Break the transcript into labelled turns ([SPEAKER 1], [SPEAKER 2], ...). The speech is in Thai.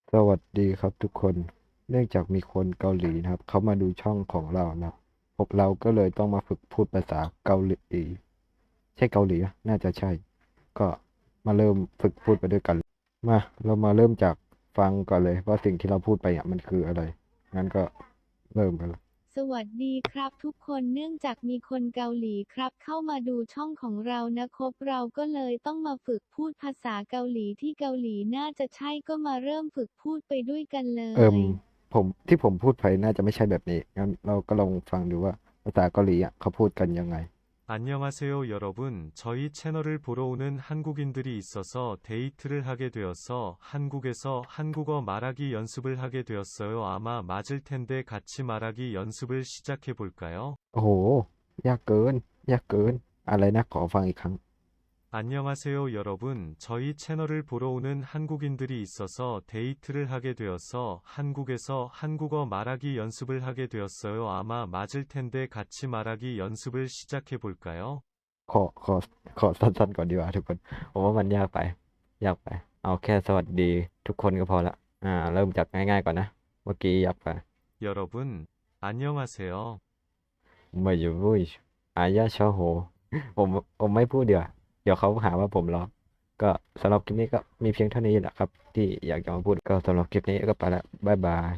[SPEAKER 1] สวัสดีครับทุกคน เนื่องจากมีคนเกาหลีนะครับเขามาดูช่องของเรานะครับพวกเราก็เลยต้องมาฝึกพูดภาษาเกาหลีใช่เกาหลีอะน่าจะใช่ ก็มาเริ่มฝึกพูดไปด้วยกัน มาเรามาเริ่มจากฟังก่อนเลยว่าสิ่งที่เราพูดไปอ่ะมันคืออะไร งั้นก็เริ่มกันเลย
[SPEAKER 2] สวัสดีครับทุกคนเนื่องจากมีคนเกาหลีครับเข้ามาดูช่องของเรานะครับเราก็เลยต้องมาฝึกพูดภาษาเกาหลีที่เกาหลีน่าจะใช่ก็มาเริ่มฝึกพูดไปด้วยกันเล
[SPEAKER 1] เอิม
[SPEAKER 2] ย
[SPEAKER 1] ที่ผมพูดไปน่าจะไม่ใช่แบบนี้งั้นเราก็ลองฟังดูว่าภาษาเกาหลีอ่ะเขาพูดกันยังไง
[SPEAKER 3] 안녕하세요, 여러분. 저희 채널을 보러 오는 한국인들이 있어서 데이트를 하게 되어서 한국에서 한국어 말하기 연습을 하게 되었어요. 아마 맞을 텐데 같이 말하기 연습을 시작해 볼까요?
[SPEAKER 1] โอ้โหยากเกินยากเกินอะไรนะขอฟังอีกครั้ง
[SPEAKER 3] 안녕하세요, 여러분. 저희 채널을 보러 오는 한국인들이 있어서 데이트를 하게 되어서 한국에서 한국어 말하기 연습을 하게 되었어요. 아마 맞을 텐데 같이 말하기 연습을 시작해 볼까요?
[SPEAKER 1] ขอขอขอสั้นๆก่อนดีกว่าทุกคนผมว่ามันยากไปยากไปเอาแค่สวัสดีทุกคนก็พอละเริ่มจากง่ายๆก่อนนะเมื่อกี้ยากไป
[SPEAKER 3] 여러분, 안녕하세요.
[SPEAKER 1] ไม่อยู่วุ้ยอายาชอโหผมผมไม่พูดเดี๋ยวเดี๋ยวเขาหาว่าผมล้อก็สำหรับคลิปนี้ก็มีเพียงเท่านี้แหละครับที่อยากจะมาพูดก็สำหรับคลิปนี้ก็ไปละบ๊ายบาย